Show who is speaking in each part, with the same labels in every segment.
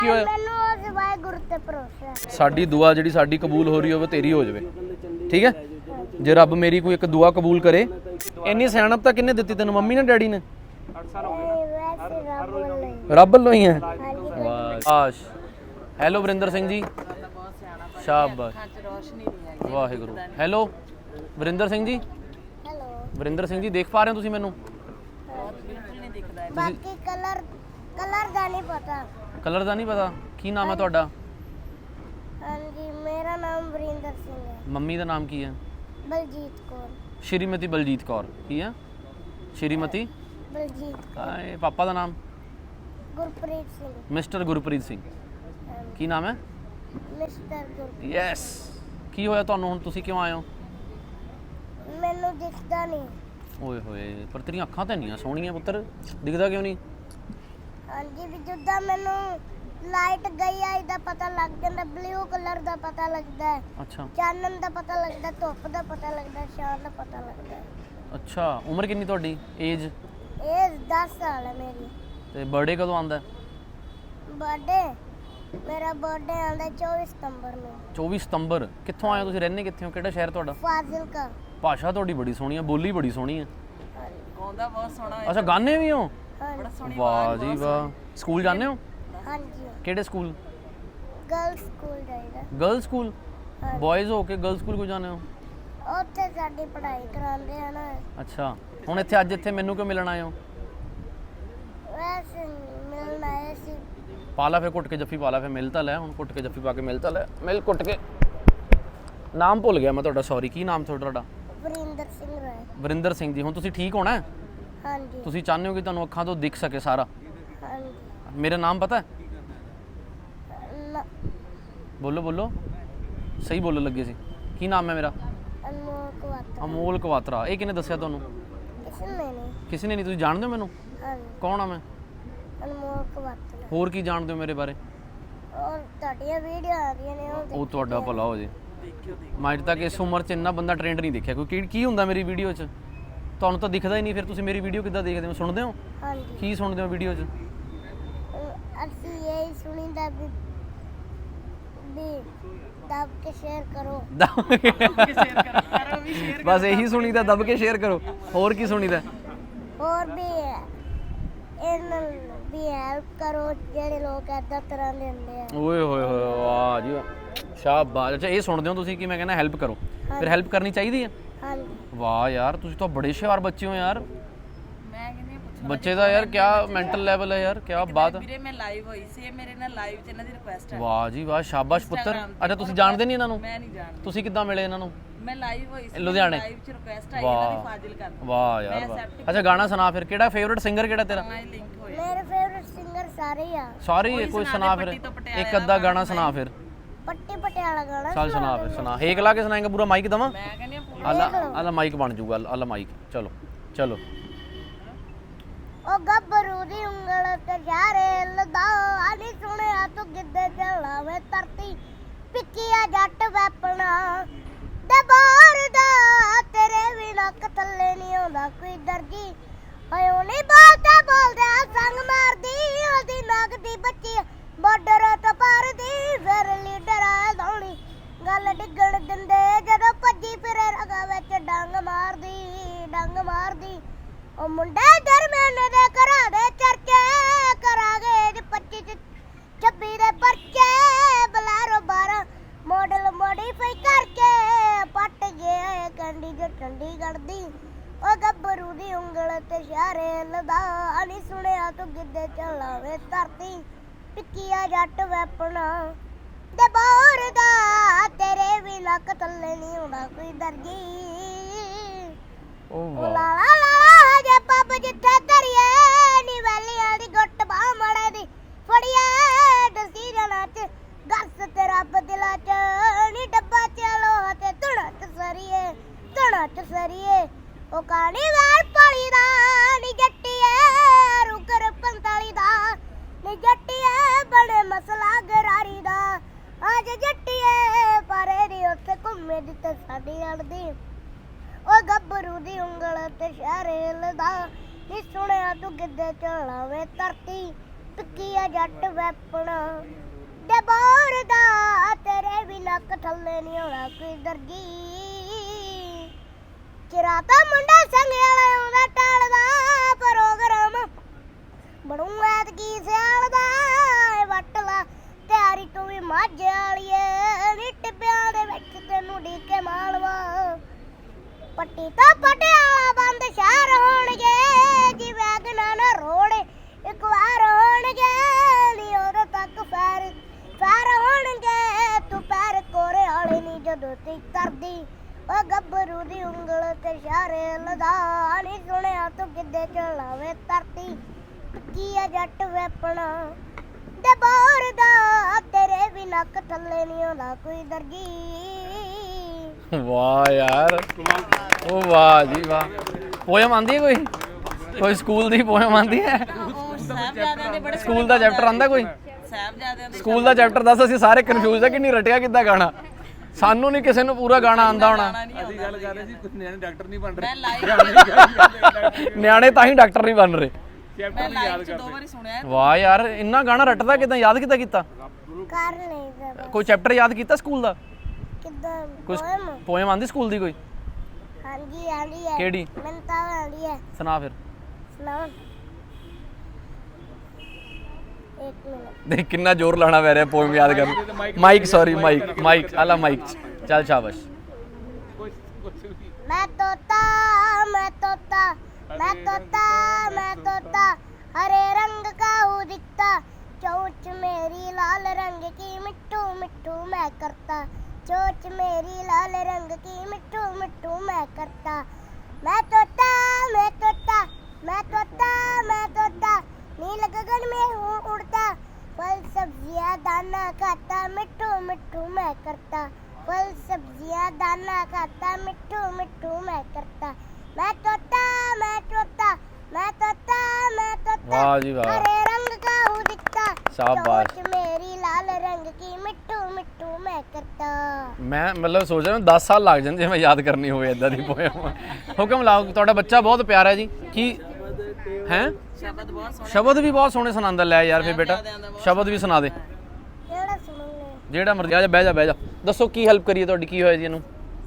Speaker 1: ਕੀ ਹੋਇਆ?
Speaker 2: ਮੈਨੂੰ ਉਸ ਵਾਹਿਗੁਰੂ ਤੇ ਭਰੋਸਾ।
Speaker 1: ਸਾਡੀ ਦੁਆ ਜਿਹੜੀ ਸਾਡੀ ਕਬੂਲ ਹੋ ਰਹੀ ਹੋਵੇ ਤੇਰੀ ਹੋ ਜਾਵੇ, ਠੀਕ ਹੈ। ਜੇ ਰੱਬ ਮੇਰੀ ਕੋਈ ਇੱਕ ਦੁਆ ਕਬੂਲ ਕਰੇ। ਇੰਨੀ ਸਿਆਣਪ ਤਾਂ ਕਿਹਨੇ ਦਿੱਤੀ ਤੈਨੂੰ, ਮੰਮੀ ਨੇ ਡੈਡੀ ਨੇ?
Speaker 2: ਵੈਸੇ ਰੱਬ ਵੱਲੋਂ ਹੀ।
Speaker 1: ਰੱਬ ਵੱਲੋਂ ਹੀ ਹੈ।
Speaker 2: ਹਾਂਜੀ।
Speaker 1: ਵਾਸ਼। ਹੈਲੋ ਵਰਿੰਦਰ ਸਿੰਘ ਜੀ, ਸ਼ਾਬਾਸ਼, ਵਾਹਿਗੁਰੂ। ਹੈਲੋ ਵਰਿੰਦਰ ਸਿੰਘ ਜੀ,
Speaker 2: ਹੈਲੋ।
Speaker 1: ਵਰਿੰਦਰ ਸਿੰਘ ਜੀ ਦੇਖ ਪਾ ਰਹੇ ਹੋ ਤੁਸੀਂ ਮੈਨੂੰ?
Speaker 2: ਬਾਕੀ ਕਲਰ ਦਾ ਨਹੀਂ ਪਤਾ।
Speaker 1: ਕਲਰ ਦਾ ਨਹੀਂ ਪਤਾ? ਕੀ ਨਾਮ ਹੈ ਤੁਹਾਡਾ?
Speaker 2: ਹਾਂਜੀ, ਮੇਰਾ ਨਾਮ ਵਰਿੰਦਰ ਸਿੰਘ ਹੈ।
Speaker 1: ਮੰਮੀ ਦਾ ਨਾਮ ਕੀ ਹੈ?
Speaker 2: ਬਲਜੀਤ ਕੌਰ।
Speaker 1: ਸ਼੍ਰੀਮਤੀ ਬਲਜੀਤ ਕੌਰ। ਕੀ ਹੈ? ਸ਼੍ਰੀਮਤੀ
Speaker 2: ਬਲਜੀਤ ਕੌਰ।
Speaker 1: ਪਾਪਾ ਦਾ ਨਾਮ?
Speaker 2: ਗੁਰਪ੍ਰੀਤ ਸਿੰਘ।
Speaker 1: ਮਿਸਟਰ ਗੁਰਪ੍ਰੀਤ ਸਿੰਘ। ਕੀ ਨਾਮ ਹੈ?
Speaker 2: ਮਿਸਟਰ ਗੁਰਪ੍ਰੀਤ।
Speaker 1: ਯੈਸ। ਕੀ ਹੋਇਆ ਤੁਹਾਨੂੰ ਹੁਣ, ਤੁਸੀਂ ਕਿਉਂ ਆਏ ਹੋ?
Speaker 2: ਮੈਨੂੰ ਦਿਖਦਾ ਨਹੀਂ।
Speaker 1: ਓਏ ਹੋਏ, ਪਰ ਤੇਰੀਆਂ ਅੱਖਾਂ ਤਾਂ ਇੰਨੀਆਂ ਸੋਹਣੀਆਂ ਪੁੱਤਰ, ਦਿਖਦਾ ਕਿਉਂ ਨਹੀਂ?
Speaker 2: ਹਾਂਜੀ, ਵੀ ਜਿੱਦਾਂ ਮੈਨੂੰ ਲਾਈਟ ਗਈ ਆ ਇਹਦਾ ਪਤਾ ਲੱਗ ਜਾਂਦਾ, ਬਲੂ ਕਲਰ ਦਾ ਪਤਾ ਲੱਗਦਾ ਹੈ,
Speaker 1: ਅੱਛਾ
Speaker 2: ਚਾਨਣ ਦਾ ਪਤਾ ਲੱਗਦਾ, ਧੁੱਪ ਦਾ ਪਤਾ ਲੱਗਦਾ, ਸ਼ਾਮ ਦਾ ਪਤਾ ਲੱਗਦਾ।
Speaker 1: ਅੱਛਾ। ਉਮਰ ਕਿੰਨੀ ਤੁਹਾਡੀ? ਏਜ?
Speaker 2: ਇਹ 10 ਸਾਲ ਹੈ ਮੇਰੀ।
Speaker 1: ਤੇ ਬਰਥਡੇ ਕਦੋਂ ਆਉਂਦਾ?
Speaker 2: ਮੇਰਾ ਬਰਥਡੇ ਆਉਂਦਾ 24 ਸਤੰਬਰ ਨੂੰ।
Speaker 1: 24 ਸਤੰਬਰ। ਕਿੱਥੋਂ ਆਏ ਹੋ ਤੁਸੀਂ? ਰਹਿੰਦੇ ਕਿੱਥੇ ਹੋ? ਕਿਹੜਾ ਸ਼ਹਿਰ ਤੁਹਾਡਾ?
Speaker 2: ਫਾਜ਼ਿਲਕਾ।
Speaker 1: ਭਾਸ਼ਾ ਤੁਹਾਡੀ ਬੜੀ ਸੋਹਣੀ ਹੈ, ਬੋਲੀ ਬੜੀ ਸੋਹਣੀ ਹੈ।
Speaker 3: ਗਾਉਂਦਾ ਬਹੁਤ ਸੋਹਣਾ ਹੈ।
Speaker 1: ਅੱਛਾ, ਗਾਣੇ ਵੀ ਹੋ?
Speaker 2: ਹਾਂਜੀ।
Speaker 1: ਵਾਹ ਜੀ ਵਾਹ। ਸਕੂਲ ਜਾਂਦੇ ਹੋ?
Speaker 2: ਹਾਂਜੀ।
Speaker 1: ਕਿਹੜੇ ਸਕੂਲ?
Speaker 2: ਗਰਲ ਸਕੂਲ ਜਾਈਦਾ।
Speaker 1: Girl school?
Speaker 2: ਹਾਂਜੀ।
Speaker 1: ਬॉयਜ਼ ਹੋ ਕੇ ਗਰਲ ਸਕੂਲ ਕਿਉਂ ਜਾਂਦੇ ਹੋ?
Speaker 2: ਉੱਥੇ ਸਾਡੀ ਪੜ੍ਹਾਈ ਕਰਾਉਂਦੇ ਆ ਨਾ।
Speaker 1: ਅੱਛਾ। ਹੁਣ ਇੱਥੇ ਅੱਜ ਇੱਥੇ ਮੈਨੂੰ ਕਿਉਂ ਮਿਲਣ ਆਏ ਹੋ?
Speaker 2: ਵੈਸੇ ਮਿਲਣ ਆਏ ਸੀ।
Speaker 1: ਪਾ ਲਾ ਫਿਰ ਘੁੱਟ ਕੇ ਜੱਫੀ ਪਾ ਲਾ, ਫਿਰ ਮਿਲ ਤਾਂ ਲੈ। ਹੁਣ ਘੁੱਟ ਕੇ ਜੱਫੀ ਪਾ ਕੇ ਮਿਲ ਤਾਂ ਲੈ। ਮਿਲ ਘੁੱਟ ਕੇ। ਨਾਮ ਭੁੱਲ ਗਿਆ ਮੈਂ ਤੁਹਾਡਾ, ਸੌਰੀ। ਕੀ ਨਾਮ ਤੁਹਾਡਾ?
Speaker 2: ਵਰਿੰਦਰ ਸਿੰਘ ਰਾਏ।
Speaker 1: ਵਰਿੰਦਰ ਸਿੰਘ ਜੀ। ਹੁਣ ਤੁਸੀਂ ਠੀਕ ਹੋਣਾ ਹੈ?
Speaker 2: ਹਾਂਜੀ।
Speaker 1: ਤੁਸੀਂ ਚਾਹੁੰਦੇ ਹੋ ਕਿ ਤੁਹਾਨੂੰ ਅੱਖਾਂ ਤੋਂ ਦਿਖ ਸਕੇ ਸਾਰਾ?
Speaker 2: ਹਾਂਜੀ।
Speaker 1: ਮੇਰਾ ਨਾਮ ਪਤਾ ਹੈ?
Speaker 2: ਨਾ,
Speaker 1: ਬੋਲੋ ਬੋਲੋ, ਸਹੀ ਬੋਲਣ ਲੱਗੇ ਸੀ। ਕੀ ਨਾਮ ਹੈ ਮੇਰਾ?
Speaker 2: ਅਨਮੋਲ ਕੁਆਤਰਾ।
Speaker 1: ਅਮੋਲ ਕਵਾਤਰਾ। ਇਹ ਕਿਹਨੇ ਦੱਸਿਆ ਤੁਹਾਨੂੰ?
Speaker 2: ਕਿਸੇ ਨੇ ਨਹੀਂ।
Speaker 1: ਕਿਸੇ ਨੇ ਨਹੀਂ। ਤੁਸੀਂ ਜਾਣਦੇ ਹੋ ਮੈਨੂੰ?
Speaker 2: ਹਾਂਜੀ।
Speaker 1: ਕੌਣ ਆ ਮੈਂ?
Speaker 2: ਅਨਮੋਲ ਕੁਆਤਰਾ।
Speaker 1: ਹੋਰ ਕੀ ਜਾਣਦੇ ਹੋ ਮੇਰੇ ਬਾਰੇ?
Speaker 2: ਔਰ ਤੁਹਾਡੀਆਂ ਵੀਡੀਓ ਆ ਰਹੀਆਂ ਨੇ
Speaker 1: ਉਹ ਤੁਹਾਡਾ ਭਲਾ ਹੋ ਜੇ। ਮੈਂ ਅੱਜ ਤੱਕ ਇਸ ਉਮਰ 'ਚ ਇੰਨਾ ਬੰਦਾ ਟ੍ਰੈਂਡ ਨਹੀਂ ਦੇਖਿਆ। ਕੋਈ ਕੀ ਹੁੰਦਾ ਮੇਰੀ ਵੀਡੀਓ 'ਚ? ਤੁਹਾਨੂੰ ਤਾਂ ਦਿਖਦਾ ਹੀ ਨਹੀਂ, ਫਿਰ ਤੁਸੀਂ ਮੇਰੀ ਵੀਡੀਓ ਕਿੱਦਾਂ ਦੇਖਦੇ ਹੋ? ਸੁਣਦੇ ਹੋ?
Speaker 2: ਹਾਂਜੀ।
Speaker 1: ਕੀ ਸੁਣਦੇ ਹੋ ਵੀਡੀਓ 'ਚ?
Speaker 2: ਅਸੀਂ ਇਹ ਸੁਣੀਦਾ ਵੀ ਦਬ ਕੇ ਸ਼ੇਅਰ ਕਰੋ।
Speaker 1: ਬਸ ਇਹੀ ਸੁਣੀਦਾ, ਦੱਬ ਕੇ ਸ਼ੇਅਰ ਕਰੋ। ਹੋਰ ਕੀ ਸੁਣੀਦਾ?
Speaker 2: ਹੋਰ ਵੀ ਇਹਨਾਂ ਦੀ ਹੈਲਪ ਕਰੋ ਜਿਹੜੇ ਲੋਕ ਏਦਾਂ ਤਰ੍ਹਾਂ ਦੇ ਹੁੰਦੇ ਆ।
Speaker 1: ਓਏ ਹੋਏ ਹੋਏ, ਵਾਹ ਜੀ ਸ਼ਾਬਾਸ਼। ਅੱਛਾ, ਇਹ ਸੁਣਦੇ ਹੋ ਤੁਸੀਂ ਕਿ ਮੈਂ ਕਹਿੰਦਾ ਹੈਲਪ ਕਰੋ, ਫਿਰ ਹੈਲਪ ਕਰਨੀ ਚਾਹੀਦੀ ਹੈ?
Speaker 2: ਹਾਂਜੀ।
Speaker 1: ਵਾਹ ਯਾਰ, ਤੁਸੀਂ ਤਾਂ ਬੜੇ ਹੁਸ਼ਿਆਰ ਬੱਚੇ ਹੋ ਯਾਰ।
Speaker 3: ਮੈਂ ਕਹਿੰਦੀ ਪੁੱਛਣਾ
Speaker 1: ਬੱਚੇ ਦਾ ਯਾਰ ਕਿਆ ਮੈਂਟਲ ਲੈਵਲ ਹੈ ਯਾਰ, ਕਿਆ ਬਾਤ।
Speaker 3: ਵੀਰੇ ਮੈਂ ਲਾਈਵ ਹੋਈ ਸੀ, ਇਹ ਮੇਰੇ ਨਾਲ ਲਾਈਵ 'ਚ ਇਹਨਾਂ ਦੀ ਰਿਕੁਐਸਟ ਹੈ।
Speaker 1: ਵਾਹ ਜੀ ਵਾਹ, ਸ਼ਾਬਾਸ਼ ਪੁੱਤਰ। ਅੱਛਾ, ਤੁਸੀਂ ਜਾਣਦੇ ਨਹੀਂ ਇਹਨਾਂ ਨੂੰ?
Speaker 3: ਮੈਂ ਨਹੀਂ ਜਾਣਦੀ।
Speaker 1: ਤੁਸੀਂ ਕਿੱਦਾਂ ਮਿਲੇ ਇਹਨਾਂ ਨੂੰ?
Speaker 3: ਮੈਂ ਲਾਈਵ ਹੋਈ ਸੀ
Speaker 1: ਲੁਧਿਆਣੇ?
Speaker 3: ਲਾਈਵ 'ਚ ਰਿਕੁਐਸਟ ਆਈ ਇਹਨਾਂ ਦੀ ਫਾਜ਼ਿਲ ਕਰ।
Speaker 1: ਵਾਹ ਯਾਰ ਵਾਹ। ਅੱਛਾ, ਗਾਣਾ ਸੁਣਾ ਫਿਰ। ਕਿਹੜਾ ਫੇਵਰਿਟ ਸਿੰਗਰ ਕਿਹੜਾ ਤੇਰਾ?
Speaker 3: ਮੈਂ ਲਿੰਕ ਹੋਇਆ।
Speaker 2: ਮੇਰੇ ਫੇਵਰਿਟ ਸਿੰਗਰ ਸਾਰੇ ਹੀ ਆ।
Speaker 1: ਸਾਰੇ ਹੀ? ਕੋਈ ਸੁਣਾ ਫਿਰ, ਇੱਕ ਅੱਧਾ ਗਾਣਾ ਸੁਣਾ ਫਿਰ।
Speaker 2: ਪੱਟੀ ਪਟਿਆਲਾ ਗਾਣਾ
Speaker 1: ਚੱਲ ਸੁਣਾ ਫਿਰ, ਸੁਣਾ। ਹੇਕ ਲਾ ਕੇ ਸੁਣਾਏਗਾ? ਪੂਰਾ ਮਾਈਕ ਦਵਾਂ?
Speaker 3: ਮੈਂ ਕਹਿੰਦੀ ਹਾਂ ਪੂਰਾ
Speaker 1: ਆਲਾ ਮਾਈਕ ਬਣ ਜੂਗਾ। ਆਲਾ ਮਾਈਕ। ਚਲੋ ਚਲੋ।
Speaker 2: ਉਹ ਗੱਭਰੂ ਦੀ ਉਂਗਲ ਤੇ ਯਾਰੇ ਲਦਾ ਆਨੀ ਸੁਣਿਆ ਤੂੰ ਗਿੱਧੇ ਚਲਾਵੇ ਧਰਤੀ ਪਿੱਕੀਆ ਜੱਟ ਵੈਪਣਾ ਦੇ ਬਾਹਰ ਦਾ ਤੇਰੇ ਵੀ ਨੱਕ ਥੱਲੇ ਨਹੀਂ ਆਉਂਦਾ ਕੋਈ ਦਰਜੀ ਹੋਏ ਉਹ ਨਹੀਂ ਬੋਲਦੇ ਸੰਗ ਮਾਰਦੀ ਉਹਦੀ ਨੱਕ ਦੀ ਬੱਚੀ ਬਾਰਡਰ ਤੋਂ ਪਾਰ ਦੀ ਫਿਰ ਲੀਡਰ ਆ ਧੌਣੀ ਗੱਲ ਡਿੱਗਣ ਦਿੰਦੇ ਜਦੋਂ ਭੱਜੀ ਫਿਰੇ ਰਗਾ ਵਿੱਚ ਡੰਗ ਮਾਰਦੀ ਉਹ ਮੁੰਡੇ ਦਰਮਿਆਨ ਦੇ ਘਰਾਂ ਦੇ ਚਰਚੇ ਕਰਾਂਗੇ 25 26 ਦੇ ਪਰਚੇ ਬਲਾਰੋ 12 ਮਾਡਲ ਮੋਡੀਫਾਈ ਕਰਕੇ ਪੱਟ ਗਿਆ ਕੰਡੀ ਜੋ ਚੰਡੀਗੜ੍ਹ ਦੀ ਉਹ ਗੱਭਰੂ ਦੀ ਉਂਗਲ ਤੇ ਇਸ਼ਾਰੇ ਲਦਾ ਨਹੀਂ ਸੁਣਿਆ ਤੂੰ ਗਿੱਧੇ ਚਲਾਵੇ ਧਰਤੀ ਪਿੱਕੀਆ ਜੱਟ ਵੈਪਣਾ ਦੇ ਬਾਹਰ ਦਾ ਤੇਰੇ ਵੀ ਲੱਕ ਥੱਲੇ ਨਹੀਂ ਆਉਂਦਾ ਕੋਈ ਦਰਜੀ
Speaker 1: ਓ
Speaker 2: ਲਾ ਲਾ ਜੇ ਪੱਬ ਜਿੱਥੇ ਧਰੀਏ ਨੀ ਵੈਲੀਆਂ ਦੀ ਗੁੱਟ ਬਾਹ ਮੜੇ ਦੀ ਫੜੀਏ ਦਸੀ ਜਣਾ ਚ ਗੱਸ ਤੇ ਰੱਬ ਦਿਲਾਂ ਚ ਨੀ ਡੱਬਾ ਚਲੋ ਤੇ ਧੁਣਾ ਚ ਸਰੀਏ ਉਹ ਕਾਣੀ ਵਾਰ ਪਾਲੀ ਦਾ ਨੀ ਜੱਟੀਏ ਰੁਕਰ 45 ਦਾ ਨੀ ਜੱਟੀਏ ਬੜੇ ਮਸਲਾ ਗਰਾਰੀ ਦਾ ਅੱਜ ਜੱਟੀਏ ਪਰੇ ਦੀ ਉੱਥੇ ਘੁੰਮੇ ਜਿੱਥੇ ਸਾਡੀ ਅੜਦੀ ਉਹ ਗੱਭਰੂ ਦੀ ਉਂਗਲ ਤੇ ਇਸ਼ਾਰੇ ਲਦਾ ਨੀ ਸੁਣਿਆ ਤੂੰ ਗਿੱਧੇ ਚਲਾਵੇ ਧਰਤੀ ਪਿੱਕੀ ਆ ਜੱਟ ਵੈਪਣਾ ਦੇ ਬੋਰ ਦਾ ਤੇਰੇ ਵੀ ਨੱਕ ਥੱਲੇ ਨਹੀਂ ਹੋਣਾ ਕੋਈ ਦਰਜੀ ਚਿਰਾਤਾ ਮੁੰਡਾ ਸੰਗ ਵਾਲਾ ਆਉਂਦਾ ਟਾਲਦਾ ਪ੍ਰੋਗਰਾਮ ਬਣੂ ਐਤਕੀ ਸਿਆਲ ਦਾ ਵੱਟ ਲਾ ਤਿਆਰੀ ਤੂੰ ਵੀ ਮਾਝੇ ਵਾਲੀਏ ਨੀ ਟਿੱਬਿਆਂ ਦੇ ਵਿੱਚ ਤੈਨੂੰ ਢੀਕੇ ਮਾਲਵਾ ਪੱਟੀ ਤਾਂ ਪਟਿਆਲਾ ਬੰਦ ਸ਼ਹਿਰ ਹੋਣਗੇ ਜੀ ਵੈਗਨਾਂ ਨਾ ਰੋੜ ਇੱਕ ਵਾਰ ਹੋਣਗੇ ਨੀ ਉਦੋਂ ਤੱਕ ਫੈਰ ਹੋਣਗੇ ਤੂੰ ਪੈਰ ਕੋਰੇ ਵਾਲੇ ਨੀ ਜਦੋਂ ਤੇ ਕਰਦੀ ਉਹ ਗੱਭਰੂ ਦੀ ਉਂਗਲ ਤੇ ਇਸ਼ਾਰੇ ਲਦਾ ਨੀ ਸੁਣਿਆ ਤੂੰ ਕਿੱਦੇ ਚਲਾਵੇ ਧਰਤੀ ਕੀ ਆ ਜੱਟ ਵੈਪਣਾ ਦੇ ਬੋਰ ਦਾ ਤੇਰੇ ਵੀ ਨੱਕ ਥੱਲੇ ਨਹੀਂ ਆਉਂਦਾ ਕੋਈ ਦਰਜੀ
Speaker 1: ਵਾਹ ਯਾਰ ਉਹ ਵਾਹ ਜੀ ਵਾਹ ਪੋਇਮ ਆਂਦੀ ਹੈ ਕੋਈ ਸਕੂਲ ਦੀ ਪੋਇਮ ਆਂਦੀ ਹੈ
Speaker 3: ਉਹ ਸਾਹਿਬਜ਼ਾਦਿਆਂ ਦੇ ਬੜੇ
Speaker 1: ਸਕੂਲ ਦਾ ਚੈਪਟਰ ਆਂਦਾ ਕੋਈ
Speaker 3: ਸਾਹਿਬਜ਼ਾਦਿਆਂ ਦੇ
Speaker 1: ਸਕੂਲ ਦਾ ਚੈਪਟਰ ਦੱਸ ਅਸੀਂ ਸਾਰੇ ਕਨਫਿਊਜ਼ ਆ ਕਿ ਨਹੀਂ ਰਟਿਆ ਕਿੱਦਾਂ ਗਾਣਾ ਸਾਨੂੰ ਨਹੀਂ ਕਿਸੇ ਨੂੰ ਪੂਰਾ ਗਾਣਾ ਆਂਦਾ ਹੋਣਾ
Speaker 4: ਅਸੀਂ ਗੱਲ ਕਰ ਰਹੇ ਸੀ ਕੁਝ ਨਿਆਣੇ ਡਾਕਟਰ ਨਹੀਂ ਬਣ
Speaker 3: ਮੈਂ
Speaker 4: ਰਹੇ
Speaker 3: ਲਾਈਵ
Speaker 1: ਨਿਆਣੇ ਤਾਂ ਹੀ ਡਾਕਟਰ ਨਹੀਂ ਬਣ ਰਹੇ
Speaker 3: ਮੈਂ ਲਾਈਵ 'ਚ 2 ਵਾਰੀ ਸੁਣਿਆ ਹੈ।
Speaker 1: ਵਾਹ ਯਾਰ ਇੰਨਾ ਗਾਣਾ ਰੱਟਦਾ ਕਿਦਾਂ ਯਾਦ ਕਿੱਦਾਂ ਕੀਤਾ
Speaker 2: ਕਰ ਨਹੀਂ ਸਕਦਾ
Speaker 1: ਕੋਈ ਚੈਪਟਰ ਯਾਦ ਕੀਤਾ ਸਕੂਲ ਦਾ
Speaker 2: ਕਿੱਦਾਂ
Speaker 1: ਕੋਈ
Speaker 2: ਪੋਇਮ
Speaker 1: ਪੋਇਮ ਆਂਦੀ ਸਕੂਲ ਦੀ ਕੋਈ
Speaker 2: ਹਾਂਜੀ ਆਂਦੀ ਹੈ
Speaker 1: ਕਿਹੜੀ
Speaker 2: ਮੈਨੂੰ ਤਾਂ ਆਂਦੀ ਹੈ
Speaker 1: ਸੁਣਾ ਫਿਰ
Speaker 2: ਸੁਣਾਓ ਇੱਕ ਮਿੰਟ
Speaker 1: ਦੇਖ ਕਿੰਨਾ ਜ਼ੋਰ ਲਾਣਾ ਪੈ ਰਿਹਾ ਪੋਇਮ ਯਾਦ ਕਰਨ ਮਾਈਕ ਸੌਰੀ ਮਾਈਕ ਆਲਾ ਮਾਈਕ ਚੱਲ ਸ਼ਾਬਾਸ਼
Speaker 2: मैं तोता मैं तोता मैं तोता मैं तोता हरे रंग का हूँ दिखता चोंच मेरी लाल रंग की मिट्टू मिट्टू मैं करता चोंच मेरी लाल रंग की मिट्टू मिट्टू मैं करता मैं तोता मैं तोता मैं तोता मैं तोता नील गगन में हूँ उड़ता फल सब्जियाँ दाना खाता मिट्टू मिट्टू मैं करता फल सब्जियाँ दाना खाता मिट्टू मिट्टू मैं करता मैं तोता मैं तोता मैं तोता मैं तोता
Speaker 1: वाह जी वाह
Speaker 2: हरे रंग का हूँ दिखता
Speaker 1: शाबाश
Speaker 2: चोंच मेरी लाल रंग की मिट्टू मिट्टू मैं करता
Speaker 1: ਮੈਂ ਮਤਲਬ ਸੋਚ ਰਿਹਾ 10 ਸਾਲ ਲੱਗ ਜਾਂਦੇ ਜੇ ਮੈਂ ਯਾਦ ਕਰਨੀ ਹੋਵੇ ਇਦਾਂ ਦੀ ਪੋਇਮ ਹੁਕਮ ਲਾਓ ਤੁਹਾਡਾ ਬੱਚਾ ਬਹੁਤ ਪਿਆਰਾ ਹੈ ਜੀ ਕੀ ਹੈ
Speaker 3: ਸ਼ਬਦ ਬਹੁਤ ਸੋਹਣੇ
Speaker 1: ਸ਼ਬਦ ਵੀ ਬਹੁਤ ਸੋਹਣੇ ਸੁਣਾਉਂਦਾ ਲੈ ਯਾਰ ਫਿਰ ਬੇਟਾ ਸ਼ਬਦ ਵੀ ਸੁਣਾ ਦੇ
Speaker 2: केड़ा सुनोगे
Speaker 1: ਜਿਹੜਾ ਮਰਜ਼ੀ ਆ ਜਾ ਬਹਿ ਜਾ ਦੱਸੋ ਕੀ ਹੈਲਪ ਕਰੀਏ ਤੁਹਾਡੀ ਕੀ ਹੋਇਆ ਜੀ ਇਹਨੂੰ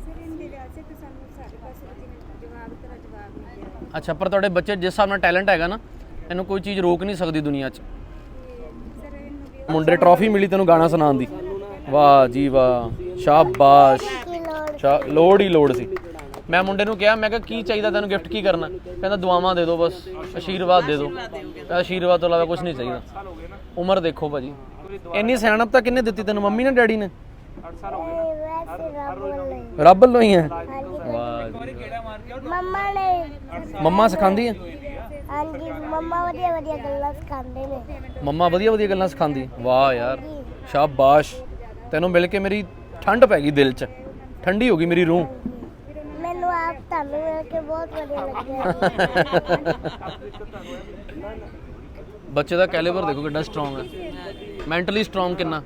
Speaker 1: ਅੱਛਾ ਪਰ ਤੁਹਾਡੇ ਬੱਚੇ ਜਿਸ ਹਿਸਾਬ ਨਾਲ ਟੈਲੈਂਟ ਹੈਗਾ ਨਾ ਇਹਨੂੰ ਕੋਈ ਚੀਜ਼ ਰੋਕ ਨਹੀਂ ਸਕਦੀ ਦੁਨੀਆ 'ਚ ਮੁੰਡੇ ਟਰੋਫੀ ਮਿਲੀ ਤੈਨੂੰ ਗਾਣਾ ਸੁਣਾਉਣ ਦੀ ਵਾਹ ਜੀ ਵਾਹ ਸ਼ਾਬਾਸ਼
Speaker 2: की लोड़
Speaker 1: ਲੋੜ ਹੀ ਲੋੜ ਸੀ ਮੈਂ ਮੁੰਡੇ ਨੂੰ ਕਿਹਾ ਮੈਂ ਕਿਹਾ ਕੀ ਚਾਹੀਦਾ ਤੈਨੂੰ ਗਿਫਟ ਕੀ ਕਰਨਾ ਕਹਿੰਦਾ ਦੁਆਵਾਂ ਦੇ ਦਿਓ ਬਸ ਆਸ਼ੀਰਵਾਦ ਦੇ ਦਿਓ ਆਸ਼ੀਰਵਾਦ ਤੋਂ ਇਲਾਵਾ ਕੁਝ ਨਹੀਂ ਚਾਹੀਦਾ ਉਮਰ ਦੇਖੋ ਭਾਜੀ ਇੰਨੀ ਸਿਆਣਪ ਤਾਂ ਕਿੰਨੇ ਦਿੱਤੀ ਤੈਨੂੰ ਮੰਮੀ ਨੇ ਡੈਡੀ ਨੇ
Speaker 2: वैसे रब नहीं
Speaker 1: ਰੱਬ ਵੱਲੋਂ ਹੀ ਹੈ
Speaker 2: हाँ जी
Speaker 1: ਵਾਹ ਜੀ।
Speaker 2: मम्मा ने
Speaker 1: ਮੰਮਾ ਸਿਖਾਉਂਦੀ ਹੈ
Speaker 2: हाँ जी मम्मा वधिया वधिया गल्लां सिखांदे ने
Speaker 1: ਮੰਮਾ ਵਧੀਆ ਵਧੀਆ ਗੱਲਾਂ ਸਿਖਾਉਂਦੀ ਵਾਹ ਯਾਰ ਸ਼ਾਬਾਸ਼ ਤੈਨੂੰ ਮਿਲ ਕੇ ਮੇਰੀ ਠੰਡ ਪੈ ਗਈ ਦਿਲ 'ਚ ਠੰਡੀ ਹੋ ਗਈ ਮੇਰੀ ਰੂਹ
Speaker 2: ਮੈਨੂੰ ਆਪ ਤੁਹਾਨੂੰ ਮਿਲ ਕੇ ਬਹੁਤ ਵਧੀਆ ਲੱਗਿਆ
Speaker 1: ਬੱਚੇ ਦਾ ਕੈਲੀਬਰ ਦੇਖੋ ਕਿੰਨਾ ਸਟਰੋਂਗ ਹੈ ਮੈਂਟਲੀ ਸਟਰੋਂਗ ਕਿੰਨਾ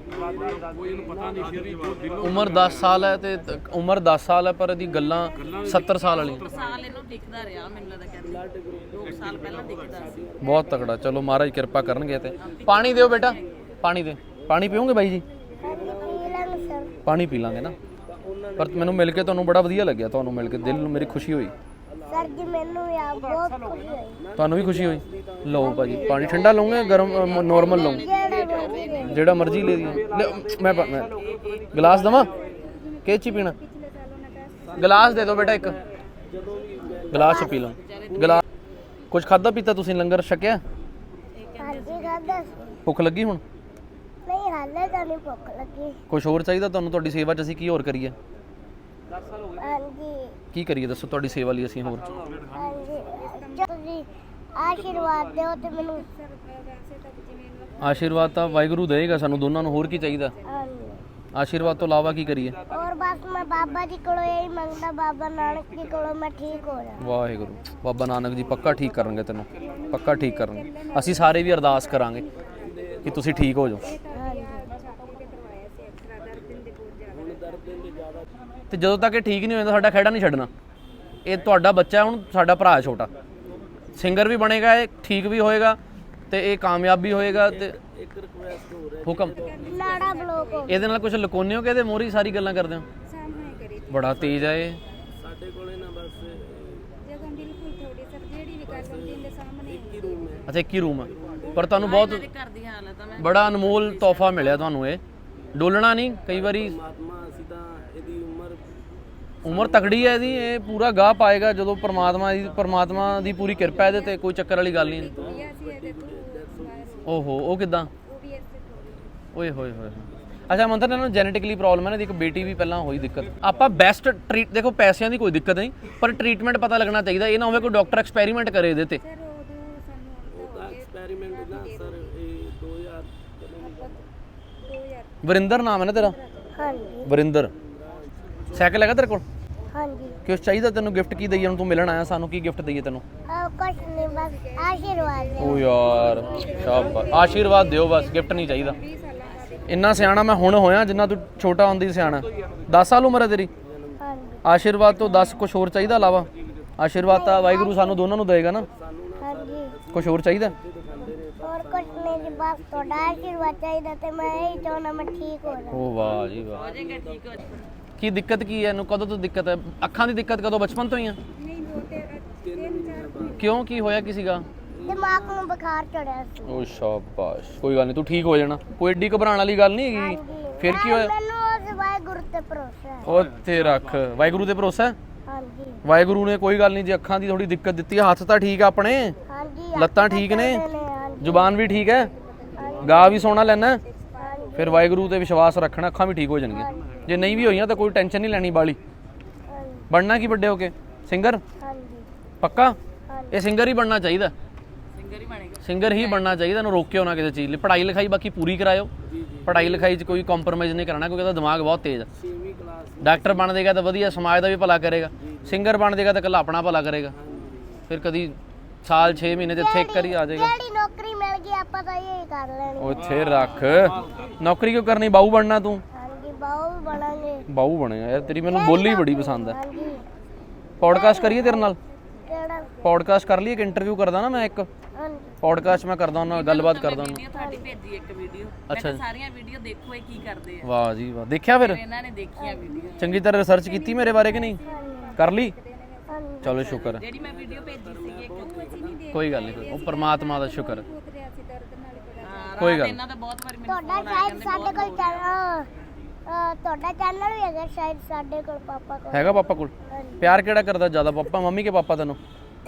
Speaker 1: ਉਮਰ 10 ਸਾਲ ਹੈ ਤੇ ਉਮਰ 10 ਸਾਲ ਹੈ ਪਰ ਇਹਦੀ ਗੱਲਾਂ 70 ਸਾਲ ਵਾਲੀਆਂ
Speaker 3: ਸਾਲ ਇਹਨੂੰ ਦਿਖਦਾ ਰਿਹਾ ਮੈਨੂੰ ਲੱਗਦਾ ਕਹਿੰਦੇ 2 ਸਾਲ ਪਹਿਲਾਂ ਦਿਖਦਾ ਸੀ
Speaker 1: ਬਹੁਤ ਤਕੜਾ ਚਲੋ ਮਹਾਰਾਜ ਕਿਰਪਾ ਕਰਨਗੇ ਤੇ ਪਾਣੀ ਦਿਓ ਬੇਟਾ ਪਾਣੀ ਦੇ ਪਾਣੀ ਪੀਓਗੇ ਬਾਈ ਜੀ
Speaker 2: ਨੀਲਮ ਸਰ
Speaker 1: ਪਾਣੀ ਪੀ ਲਾਂਗੇ ਨਾ ਪਰ ਮੈਨੂੰ ਮਿਲ ਕੇ ਤੁਹਾਨੂੰ ਬੜਾ ਵਧੀਆ ਲੱਗਿਆ ਤੁਹਾਨੂੰ ਮਿਲ ਕੇ ਦਿਲ ਨੂੰ ਮੇਰੀ ਖੁਸ਼ੀ ਹੋਈ
Speaker 2: ਸਰ ਜੀ ਮੈਨੂੰ ਵੀ ਆਪ ਬਹੁਤ ਖੁਸ਼ੀ ਹੋਈ
Speaker 1: ਤੁਹਾਨੂੰ ਵੀ ਖੁਸ਼ੀ ਹੋਈ ਲਓ ਭਾਜੀ ਪਾਣੀ ਠੰਡਾ ਲਓਗੇ ਗਰਮ ਨਾਰਮਲ ਲਓਗੇ ਜਿਹੜਾ ਮਰਜ਼ੀ ਲੈ ਦੀ ਮੈਂ ਗਲਾਸ ਦਵਾਂ ਕਿਹ ਚ ਪੀਣਾ ਗਲਾਸ ਦੇ ਦਿਓ ਬੇਟਾ ਇੱਕ ਗਲਾਸ ਚ ਪੀ ਲਓ ਗਲਾਸ ਕੁਝ ਖਾਦਾ ਪੀਤਾ ਤੁਸੀਂ ਲੰਗਰ ਛਕਿਆ
Speaker 2: ਹਾਂਜੀ ਖਾਦਾ
Speaker 1: ਭੁੱਖ ਲੱਗੀ ਹੁਣ
Speaker 2: ਨਹੀਂ ਹਾਲੇ ਤਾਂ ਨਹੀਂ ਭੁੱਖ ਲੱਗੀ
Speaker 1: ਕੁਝ ਹੋਰ ਚਾਹੀਦਾ ਤੁਹਾਨੂੰ ਤੁਹਾਡੀ ਸੇਵਾ 'ਚ ਅਸੀਂ ਕੀ ਹੋਰ ਕਰੀਏ
Speaker 2: ਹਾਂਜੀ
Speaker 1: ਕੀ ਕਰੀਏ ਦੱਸੋ ਤੁਹਾਡੀ ਸੇਵਾ ਲਈ ਅਸੀਂ ਹੋਰ
Speaker 2: ਹਾਂਜੀ ਤੁਸੀਂ ਆਸ਼ੀਰਵਾਦ ਦਿਓ ਤੇ ਮੈਨੂੰ
Speaker 1: ਆਸ਼ੀਰਵਾਦ ਤਾਂ ਵਾਹਿਗੁਰੂ ਦੇਗਾ ਸਾਨੂੰ ਦੋਨਾਂ ਨੂੰ ਹੋਰ ਕੀ ਚਾਹੀਦਾ
Speaker 2: ਹਾਂਜੀ
Speaker 1: ਆਸ਼ੀਰਵਾਦ ਤੋਂ ਇਲਾਵਾ ਕੀ ਕਰੀਏ
Speaker 2: ਔਰ ਬਸ ਮੈਂ ਬਾਬਾ ਜੀ ਕੋਲੋਂ ਇਹੀ ਮੰਗਦਾ ਬਾਬਾ ਨਾਨਕ ਜੀ ਕੋਲੋਂ ਮੈਂ ਠੀਕ ਹੋ ਜਾ
Speaker 1: ਵਾਹਿਗੁਰੂ ਬਾਬਾ ਨਾਨਕ ਜੀ ਪੱਕਾ ਠੀਕ ਕਰਨਗੇ ਤੈਨੂੰ ਪੱਕਾ ਠੀਕ ਕਰਨਗੇ ਅਸੀਂ ਸਾਰੇ ਵੀ ਅਰਦਾਸ ਕਰਾਂਗੇ ਕਿ ਤੁਸੀਂ ਠੀਕ ਹੋ ਜਾਓ ਤੇ ਜਦੋਂ ਤੱਕ ਇਹ ਠੀਕ ਨਹੀਂ ਹੋ ਜਾਂਦਾ ਸਾਡਾ ਖਹਿੜਾ ਨਹੀਂ ਛੱਡਣਾ ਇਹ ਤੁਹਾਡਾ ਬੱਚਾ ਹੁਣ ਸਾਡਾ ਭਰਾ ਛੋਟਾ ਸਿੰਗਰ ਵੀ ਬਣੇਗਾ ਇਹ ਠੀਕ ਵੀ ਹੋਏਗਾ ਤੇ ਇਹ ਕਾਮਯਾਬ ਵੀ ਹੋਏਗਾ ਤੇ
Speaker 5: ਇੱਕ ਰਿਕੁਐਸਟ ਹੋ ਰਿਹਾ
Speaker 1: ਹੁਕਮ
Speaker 2: ਨਾੜਾ ਬਲੋਕ ਹੋ
Speaker 1: ਇਹਦੇ ਨਾਲ ਕੁਝ ਲੁਕਾਉਂਦੇ ਹੋ ਕਿ ਇਹਦੇ ਮੋਰੀ ਸਾਰੀ ਗੱਲਾਂ ਕਰਦੇ ਹੋ
Speaker 6: ਸਾਹਮਣੇ ਕਰੀ
Speaker 1: ਬੜਾ ਤੇਜ਼ ਆ ਇਹ
Speaker 5: ਸਾਡੇ ਕੋਲੇ ਨਾ ਬਸ
Speaker 6: ਜਗ੍ਹਾ ਬਿਲਕੁਲ ਥੋੜੀ ਸਰ ਜਿਹੜੀ ਵੀ ਗੱਲ ਹੁੰਦੀ ਇਹਦੇ ਸਾਹਮਣੇ
Speaker 5: ਇੱਕ ਹੀ ਰੂਮ ਹੈ।
Speaker 1: ਅੱਛਾ ਇੱਕ ਹੀ ਰੂਮ ਆ ਪਰ ਤੁਹਾਨੂੰ ਬਹੁਤ
Speaker 3: ਇਹਨਾਂ ਦੇ ਘਰ ਦੀ ਹਾਲਤ ਆ ਮੈਂ
Speaker 1: ਬੜਾ ਅਨਮੋਲ ਤੋਹਫਾ ਮਿਲਿਆ ਤੁਹਾਨੂੰ ਇਹ ਡੋਲਣਾ ਨਹੀਂ ਕਈ ਵਾਰੀ
Speaker 5: ਪਰਮਾਤਮਾ ਅਸੀਂ ਤਾਂ ਇਹਦੀ
Speaker 1: ਉਮਰ ਤਕੜੀ ਹੈ ਇਹਦੀ ਇਹ ਪੂਰਾ ਗਾਹ ਪਾਏਗਾ ਜਦੋਂ ਪਰਮਾਤਮਾ ਦੀ ਪੂਰੀ ਕਿਰਪਾ ਇਹਦੇ ਤੇ ਕੋਈ ਚੱਕਰ ਵਾਲੀ ਗੱਲ ਨਹੀਂ
Speaker 6: ਇਹ ਅਸੀਂ ਇਹਦੇ ਤੋਂ
Speaker 1: ਓਹੋ ਉਹ ਕਿਦਾਂ
Speaker 6: ਉਹ ਵੀ ਇਸੇ ਤੋਂ
Speaker 1: ਓਏ ਹੋਏ ਹੋਏ ਅੱਛਾ ਮੰਤਰ ਇਹਨਾਂ ਨੂੰ ਜੈਨੇਟਿਕਲੀ ਪ੍ਰੋਬਲਮ ਹੈ ਨਾ, ਇਹਦੀ ਇੱਕ ਬੇਟੀ ਵੀ ਪਹਿਲਾਂ ਹੋਈ ਦਿੱਕਤ। ਆਪਾਂ ਬੈਸਟ ਟ੍ਰੀਟ ਦੇਖੋ ਪੈਸਿਆਂ ਦੀ ਕੋਈ ਦਿੱਕਤ ਨਹੀਂ ਪਰ ਟ੍ਰੀਟਮੈਂਟ ਪਤਾ ਲੱਗਣਾ ਚਾਹੀਦਾ, ਇਹ ਨਾ ਹੋਵੇ ਕੋਈ ਡਾਕਟਰ ਐਕਸਪੈਰੀਮੈਂਟ ਕਰੇ ਇਹਦੇ ਤੇ।
Speaker 6: ਸਰ ਉਦੋਂ ਸਾਨੂੰ
Speaker 5: ਉਹਦਾ ਐਕਸਪੈਰੀਮੈਂਟ ਨਾ ਸਰ ਇਹ 2000
Speaker 1: ਵਰਿੰਦਰ ਨਾਮ ਹੈ ਨਾ ਤੇਰਾ?
Speaker 2: ਹਾਂਜੀ
Speaker 1: ਵਰਿੰਦਰ। ਸਾਈਕਲ ਹੈਗਾ ਤੇਰੇ ਕੋਲ?
Speaker 2: ਹਾਂਜੀ
Speaker 1: ਕਿਉਂ ਚਾਹੀਦਾ ਤੈਨੂੰ? ਗਿਫਟ ਕੀ ਦਈਏ ਹੁਣ? ਤੂੰ ਮਿਲਣ ਆਇਆ ਸਾਨੂੰ, ਕੀ ਗਿਫਟ ਦਈਏ ਤੈਨੂੰ?
Speaker 2: ਕੁਛ ਨਹੀਂ ਬਸ ਆਸ਼ੀਰਵਾਦ ਦਿਓ।
Speaker 1: ਓ ਯਾਰ ਸ਼ਾਬਾਸ਼, ਆਸ਼ੀਰਵਾਦ ਦਿਓ ਬਸ, ਗਿਫਟ ਨਹੀਂ ਚਾਹੀਦਾ। ਇੰਨਾ ਸਿਆਣਾ ਮੈਂ ਹੁਣ ਹੋਇਆ ਜਿੰਨਾ ਤੂੰ ਛੋਟਾ ਹੁੰਦੀ ਸਿਆਣਾ। 10 ਸਾਲ ਉਮਰ ਹੈ ਤੇਰੀ?
Speaker 2: ਹਾਂਜੀ
Speaker 1: ਆਸ਼ੀਰਵਾਦ ਤੋਂ 10 ਕੁਛ ਹੋਰ ਚਾਹੀਦਾ ਇਲਾਵਾ? ਆਸ਼ੀਰਵਾਦ ਤਾਂ ਵਾਹਿਗੁਰੂ ਸਾਨੂੰ ਦੋਨਾਂ ਨੂੰ ਦੇਏਗਾ ਨਾ,
Speaker 2: ਹਾਂਜੀ
Speaker 1: ਕੁਛ ਹੋਰ ਚਾਹੀਦਾ?
Speaker 2: ਹੋਰ ਕੁਛ ਨਹੀਂ ਜੀ, ਬਸ ਤੁਹਾਡਾ ਆਸ਼ੀਰਵਾਦ ਚਾਹੀਦਾ ਤੇ ਮੈਂ ਇਹ ਚਾਹੁੰਦਾ ਮੈਂ ਠੀਕ ਹੋ ਜਾਵਾਂ।
Speaker 1: ਓ ਵਾਹ ਜੀ ਵਾਹ।
Speaker 3: ਹੋ ਜਾਏਗਾ ਠੀਕ ਹੋ ਜਾਏਗਾ।
Speaker 1: ਕੀ ਦਿੱਕਤ ਕੀ ਹੈ ਇਹਨੂੰ? ਕਦੋਂ ਤੋਂ ਦਿੱਕਤ ਹੈ? ਅੱਖਾਂ ਦੀ ਦਿੱਕਤ ਕਦੋਂ? ਬਚਪਨ ਤੋਂ ਹੀ ਆ?
Speaker 6: ਨਹੀਂ ਉਹ ਤੇ 3-4
Speaker 1: ਕਿਉਂ, ਕੀ ਹੋਇਆ ਕੀ ਸੀਗਾ?
Speaker 2: ਦਿਮਾਗ ਨੂੰ ਬੁਖਾਰ ਚੜਿਆ ਸੀ।
Speaker 1: ਓ ਸ਼ਾਬਾਸ਼, ਕੋਈ ਗੱਲ ਨਹੀਂ, ਤੂੰ ਠੀਕ ਹੋ ਜਾਣਾ, ਕੋਈ ਏਡੀ ਘਬਰਾਉਣ ਵਾਲੀ ਗੱਲ ਨਹੀਂ ਹੈਗੀ। ਫਿਰ ਕੀ ਹੋਇਆ?
Speaker 2: ਮੈਨੂੰ ਉਸ ਵਾਹਿਗੁਰੂ ਤੇ ਭਰੋਸਾ ਹੈ।
Speaker 1: ਓ ਤੇ ਰੱਖ, ਵਾਹਿਗੁਰੂ ਤੇ ਭਰੋਸਾ ਹੈ?
Speaker 2: ਹਾਂਜੀ
Speaker 1: ਵਾਹਿਗੁਰੂ ਨੇ ਕੋਈ ਗੱਲ ਨਹੀਂ, ਜੇ ਅੱਖਾਂ ਦੀ ਥੋੜੀ ਦਿੱਕਤ ਦਿੱਤੀ ਹੈ, ਹੱਥ ਤਾਂ ਠੀਕ ਆ ਆਪਣੇ,
Speaker 2: ਹਾਂਜੀ
Speaker 1: ਲੱਤਾਂ ਠੀਕ ਨੇ,
Speaker 2: ਹਾਂਜੀ
Speaker 1: ਜ਼ੁਬਾਨ ਵੀ ਠੀਕ ਹੈ, ਗਾ ਵੀ ਸੋਹਣਾ ਲੈਣਾ, ਫਿਰ ਵਾਹਿਗੁਰੂ ਤੇ ਵਿਸ਼ਵਾਸ ਰੱਖਣਾ, ਅੱਖਾਂ ਵੀ ਠੀਕ ਹੋ ਜਾਣਗੀਆਂ। ਜੇ ਨਹੀਂ ਵੀ ਹੋਈਆਂ ਤਾਂ ਕੋਈ ਟੈਨਸ਼ਨ ਨਹੀਂ ਲੈਣੀ ਬਾਲੀ। ਬਣਨਾ ਕੀ ਵੱਡੇ ਹੋ ਕੇ? ਸਿੰਗਰ?
Speaker 2: ਹਾਂਜੀ
Speaker 1: ਪੱਕਾ? ਇਹ ਸਿੰਗਰ ਹੀ ਬਣਨਾ ਚਾਹੀਦਾ,
Speaker 3: ਸਿੰਗਰ ਹੀ ਬਣੇਗਾ।
Speaker 1: ਸਿੰਗਰ ਹੀ ਬਣਨਾ ਚਾਹੀਦਾ, ਇਹਨੂੰ ਰੋਕਿਓ ਨਾ ਕਿਸੇ ਚੀਜ਼ ਲਈ। ਪੜ੍ਹਾਈ ਲਿਖਾਈ ਬਾਕੀ ਪੂਰੀ ਕਰਾਇਓ, ਪੜ੍ਹਾਈ ਲਿਖਾਈ 'ਚ ਕੋਈ ਕੰਪਰੋਮਾਈਜ਼ ਨਹੀਂ ਕਰਨਾ ਕਿਉਂਕਿ ਇਹਦਾ ਦਿਮਾਗ ਬਹੁਤ ਤੇਜ਼ ਹੈ।
Speaker 5: 6ਵੀਂ ਕਲਾਸ
Speaker 1: ਡਾਕਟਰ ਬਣ ਜਾਏਗਾ ਤਾਂ ਵਧੀਆ, ਸਮਾਜ ਦਾ ਵੀ ਭਲਾ ਕਰੇਗਾ। ਸਿੰਗਰ ਬਣ ਜਾਏਗਾ ਤਾਂ ਇਕੱਲਾ ਆਪਣਾ ਭਲਾ ਕਰੇਗਾ। ਫਿਰ ਕਦੀ ਸਾਲ 6 ਮਹੀਨੇ ਤੇ ਇੱਥੇ ਇੱਕ ਵਾਰੀ ਆ ਜਾਏਗਾ।
Speaker 2: ਜਿਹੜੀ ਨੌਕਰੀ ਮਿਲ ਗਈ ਆਪਾਂ ਤਾਂ ਇਹ ਕਰ ਲੈਣੀ।
Speaker 1: ਉੱਥੇ ਰੱਖ, ਨੌਕਰੀ ਕਿਉਂ ਕਰਨੀ? ਬਾਹੂ ਬਣਨਾ ਤੂੰ?
Speaker 2: ਹਾਂਜੀ ਬਾਹੂ ਵੀ ਬਣਾਂਗੇ।
Speaker 1: ਬਾਹੂ ਬਣੇਗਾ ਯਾਰ, ਤੇਰੀ ਮੈਨੂੰ ਬੋਲੀ ਬੜੀ ਪਸੰਦ ਹੈ।
Speaker 2: ਹਾਂਜੀ
Speaker 1: ਪੌਡਕਾਸਟ ਕਰੀਏ ਤੇਰੇ ਨਾਲ?
Speaker 2: ਕਿਹੜਾ?
Speaker 1: ਪੌਡਕਾਸਟ ਕਰ ਲਈਏ, ਇੱਕ ਇੰਟਰਵਿਊ ਕਰਦਾ ਨਾ ਮੈਂ, ਇੱਕ
Speaker 2: ਹਾਂਜੀ
Speaker 1: ਪੌਡਕਾਸਟ ਮੈਂ ਕਰਦਾ ਉਹਨਾਂ ਨਾਲ, ਗੱਲਬਾਤ ਕਰਦਾ ਉਹਨਾਂ
Speaker 3: ਵੀਡੀਓ ਤੁਹਾਡੀ ਭੇਜੀ ਇੱਕ ਵੀਡੀਓ, ਮੈਂ
Speaker 1: ਅੱਛਾ
Speaker 3: ਕਿਹਾ ਸਾਰੀਆਂ ਵੀਡੀਓ ਦੇਖੋ ਇਹ ਕੀ ਕਰਦੇ ਆ।
Speaker 1: ਨਾਲ। ਵਾਹ ਜੀ ਵਾਹ, ਦੇਖਿਆ ਫਿਰ?
Speaker 3: ਇਹਨਾਂ ਨੇ ਦੇਖੀਆਂ ਵੀਡੀਓ,
Speaker 1: ਚੰਗੀ ਤਰ੍ਹਾਂ ਰਿਸਰਚ ਕੀਤੀ ਮੇਰੇ ਬਾਰੇ ਕਿ ਨਹੀਂ? ਕਰ ਲਈ?
Speaker 2: ਹਾਂਜੀ
Speaker 1: ਚਲੋ ਸ਼ੁਕਰ ਹੈ,
Speaker 3: ਜਿਹੜੀ ਮੈਂ ਵੀਡੀਓ ਭੇਜੀ ਸੀਗੀ ਇੱਕ
Speaker 1: ਕੋਈ ਗੱਲ ਨਹੀਂ, ਉਹ ਪਰਮਾਤਮਾ ਦਾ ਸ਼ੁਕਰ ਹੈ,
Speaker 6: ਪੁੱਤ ਰਿਹਾ ਸੀ ਦਰਦ ਨਾਲ ਹੀ ਬੜਾ
Speaker 3: ਹਾਂ,
Speaker 1: ਕੋਈ
Speaker 3: ਰਾਤ
Speaker 1: ਗੱਲ
Speaker 3: ਇਹਨਾਂ ਦਾ ਬਹੁਤ ਵਾਰੀ ਮੈਨੂੰ
Speaker 2: ਤੁਹਾਡਾ
Speaker 3: phone ਆਇਆ,
Speaker 2: ਸ਼ਾਇਦ ਸਾਡੇ ਕੋਲ ਚੈਨਲ ਤੁਹਾਡਾ ਚੈਨਲ ਵੀ ਹੈਗਾ ਸ਼ਾਇਦ ਸਾਡੇ ਕੋਲ ਪਾਪਾ ਕੋਲ।
Speaker 1: ਹੈਗਾ ਪਾਪਾ ਕੋਲ?
Speaker 2: ਹਾਂਜੀ।
Speaker 1: ਪਿਆਰ ਕਿਹੜਾ ਕਰਦਾ ਜ਼ਿਆਦਾ, ਪਾਪਾ ਮੰਮੀ ਕੇ ਪਾਪਾ ਤੈਨੂੰ?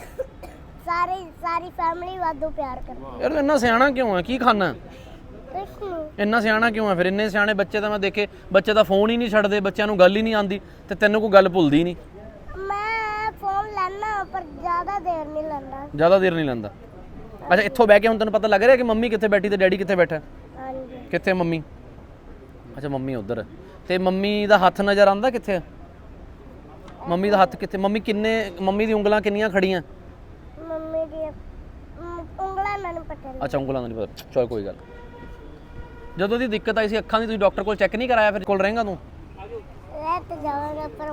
Speaker 2: ਸਾਰੀ ਫੈਮਿਲੀ ਵਾਧੂ ਪਿਆਰ ਕਰਦੀ
Speaker 1: ਯਾਰ ਇੰਨਾ ਸਿਆਣਾ ਕਿਉਂ ਹੈ? ਕੀ ਖਾਣਾ?
Speaker 2: ਕੁਛ ਨਹੀਂ
Speaker 1: ਇੰਨਾ ਸਿਆਣਾ ਕਿਉਂ ਹੈ ਫਿਰ? ਇੰਨੇ ਸਿਆਣੇ ਬੱਚੇ ਤਾਂ ਮੈਂ ਦੇਖੇ, ਬੱਚੇ ਤਾਂ ਫੋਨ ਹੀ ਨਹੀਂ ਛੱਡਦੇ, ਬੱਚਿਆਂ ਨੂੰ ਗੱਲ ਹੀ ਨਹੀਂ ਆਉਂਦੀ, ਤੇ ਤੈਨੂੰ ਕੋਈ ਗੱਲ ਭੁੱਲਦੀ ਨਹੀਂ।
Speaker 2: ਮੈਂ ਫੋਨ ਲੈਣਾ ਪਰ ਜ਼ਿਆਦਾ ਦੇਰ ਨਹੀਂ ਲੈਣਾ।
Speaker 1: ਜ਼ਿਆਦਾ ਦੇਰ ਨਹੀਂ ਲੈਂਦਾ। ਅੱਛਾ ਇੱਥੋਂ ਬਹਿ ਕੇ ਹੁਣ ਤੈਨੂੰ ਪਤਾ ਲੱਗ ਰਿਹਾ ਕਿ ਮੰਮੀ ਕਿੱਥੇ ਬੈਠੀ ਤੇ ਡੈਡੀ ਕਿੱਥੇ ਬੈਠਾ?
Speaker 2: ਹਾਂਜੀ
Speaker 1: ਕਿੱਥੇ ਮੰਮੀ? ਅੱਛਾ ਮੰਮੀ ਉਧਰ, ਤੇ ਮੰਮੀ ਦਾ ਹੱਥ ਨਜ਼ਰ ਆਉਂਦਾ ਕਿੱਥੇ ਹੈ? ਮੰਮੀ ਦਾ ਹੱਥ ਕਿੱਥੇ? ਮੰਮੀ ਮੰਮੀ ਦੀ ਉਂਗਲਾਂ ਕਿੰਨੀਆਂ ਖੜੀਆਂ?
Speaker 2: ਮੰਮੀ ਦੀ ਉਂਗਲਾਂ ਮੈਨੂੰ ਪਤਾ ਨਹੀਂ।
Speaker 1: ਅੱਛਾ ਉਂਗਲਾਂ ਦਾ ਨਹੀਂ ਪਤਾ, ਚਲ ਕੋਈ ਗੱਲ। ਜਦੋਂ ਦੀ ਦਿੱਕਤ ਆਈ ਸੀ ਅੱਖਾਂ ਦੀ, ਤੁਸੀਂ ਡਾਕਟਰ ਕੋਲ ਚੈੱਕ ਨਹੀਂ ਕਰਾਇਆ? ਫਿਰ ਕੋਲ ਰਹੇਗਾ ਤੂੰ?
Speaker 2: ਲੈ ਤੇ ਜਾਵਾਂਗਾ ਪਰ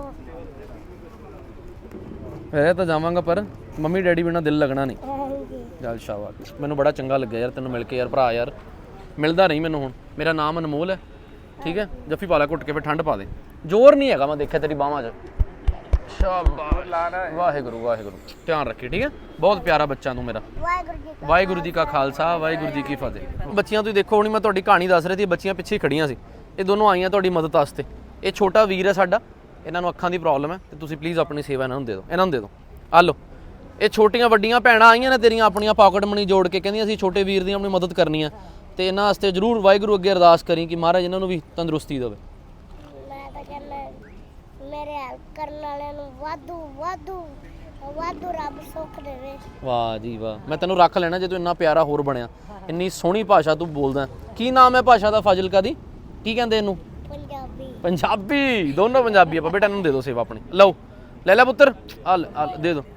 Speaker 1: ਫਿਰ ਤਾਂ ਜਾਵਾਂਗਾ ਪਰ ਮੰਮੀ ਡੈਡੀ ਬਿਨਾਂ ਦਿਲ ਲੱਗਣਾ ਨਹੀਂ।
Speaker 2: ਹਾਂਜੀ
Speaker 1: ਚੱਲ ਸ਼ਾਬਾਸ਼, ਮੈਨੂੰ ਬੜਾ ਚੰਗਾ ਲੱਗਿਆ ਯਾਰ ਤੈਨੂੰ ਮਿਲ ਕੇ ਯਾਰ ਭਰਾ, ਯਾਰ ਮਿਲਦਾ ਨਹੀਂ ਮੈਨੂੰ ਹੁਣ। ਮੇਰਾ ਨਾਮ ਅਨਮੋਲ ਹੈ, ਠੀਕ ਹੈ? ਜੱਫੀ ਪਾ ਲੈ ਘੁੱਟ ਕੇ, ਫਿਰ ਠੰਡ ਪਾ ਦੇ। ਜ਼ੋਰ ਨਹੀਂ ਹੈਗਾ, ਮੈਂ ਦੇਖਿਆ ਤੇਰੀ ਬਾਹਾਂ 'ਚ। ਸ਼ਾਬਾਸ਼, ਵਾਹਿਗੁਰੂ ਵਾਹਿਗੁਰੂ, ਧਿਆਨ ਰੱਖੀ, ਠੀਕ ਹੈ? ਬਹੁਤ ਪਿਆਰਾ ਬੱਚਾ ਤੂੰ ਮੇਰਾ। ਵਾਹਿਗੁਰੂ ਜੀ ਕਾ ਖਾਲਸਾ, ਵਾਹਿਗੁਰੂ ਜੀ ਕੀ ਫਤਿਹ। ਬੱਚੀਆਂ ਤੁਸੀਂ ਦੇਖੋ, ਹੁਣੀ ਮੈਂ ਤੁਹਾਡੀ ਕਹਾਣੀ ਦੱਸ ਰਹੀ ਸੀ, ਬੱਚੀਆਂ ਪਿੱਛੇ ਹੀ ਖੜੀਆਂ ਸੀ, ਇਹ ਦੋਨੋਂ ਆਈਆਂ ਤੁਹਾਡੀ ਮਦਦ ਵਾਸਤੇ। ਇਹ ਛੋਟਾ ਵੀਰ ਹੈ ਸਾਡਾ, ਇਹਨਾਂ ਨੂੰ ਅੱਖਾਂ ਦੀ ਪ੍ਰੋਬਲਮ ਹੈ, ਤੇ ਤੁਸੀਂ ਪਲੀਜ਼ ਆਪਣੀ ਸੇਵਾ ਇਹਨਾਂ ਨੂੰ ਦੇ ਦਿਓ, ਇਹਨਾਂ ਨੂੰ ਦੇ ਦਿਓ। ਆ ਲਓ, ਇਹ ਛੋਟੀਆਂ ਵੱਡੀਆਂ ਭੈਣਾਂ ਆਈਆਂ ਨੇ ਤੇਰੀਆਂ, ਆਪਣੀਆਂ ਪਾਕਟ ਮਨੀ ਜੋੜ ਕੇ, ਕਹਿੰਦੀਆਂ ਅਸੀਂ ਛੋਟੇ ਵੀਰ ਦੀ ਆਪਣੀ ਮਦਦ ਕਰਨੀ ਆ, ਤੇ ਇਹਨਾਂ ਵਾਸਤੇ ਜ਼ਰੂਰ ਵਾਹਿਗੁਰੂ ਅੱਗੇ ਅਰਦਾਸ ਕਰੀ ਕਿ ਮਹਾਰਾਜ ਇਹਨਾਂ ਨੂੰ ਵੀ ਤੰਦਰੁਸਤੀ ਦੇਵੇ।
Speaker 2: ਮੈਂ ਤਾਂ ਕਹਿੰਦਾ ਮੇਰੇ ਹੈਲਪ ਕਰਨ ਵਾਲਿਆਂ ਨੂੰ ਵਾਧੂ ਰੱਬ ਸੁੱਖ ਦੇਵੇ।
Speaker 1: ਵਾਹ ਜੀ ਵਾਹ, ਮੈਂ ਤੈਨੂੰ ਰੱਖ ਲੈਣਾ ਜੇ ਤੂੰ ਇੰਨਾ ਪਿਆਰਾ ਹੋਰ ਬਣਿਆ, ਇੰਨੀ ਸੋਹਣੀ ਭਾਸ਼ਾ ਤੂੰ ਬੋਲਦਾ। ਕੀ ਨਾਮ ਹੈ ਭਾਸ਼ਾ ਦਾ? ਫਾਜ਼ਿਲਕਾ ਦੀ ਕੀ ਕਹਿੰਦੇ ਇਹਨੂੰ?
Speaker 2: ਪੰਜਾਬੀ।
Speaker 1: ਪੰਜਾਬੀ, ਦੋਨੋਂ ਪੰਜਾਬੀ ਆਪਾਂ। ਬੇਟਾ ਇਹਨੂੰ ਦੇ ਦਿਓ ਸੇਵਾ ਆਪਣੀ, ਲਓ ਲੈ ਲੈ ਪੁੱਤਰ, ਆ ਦੇ ਦਿਓ।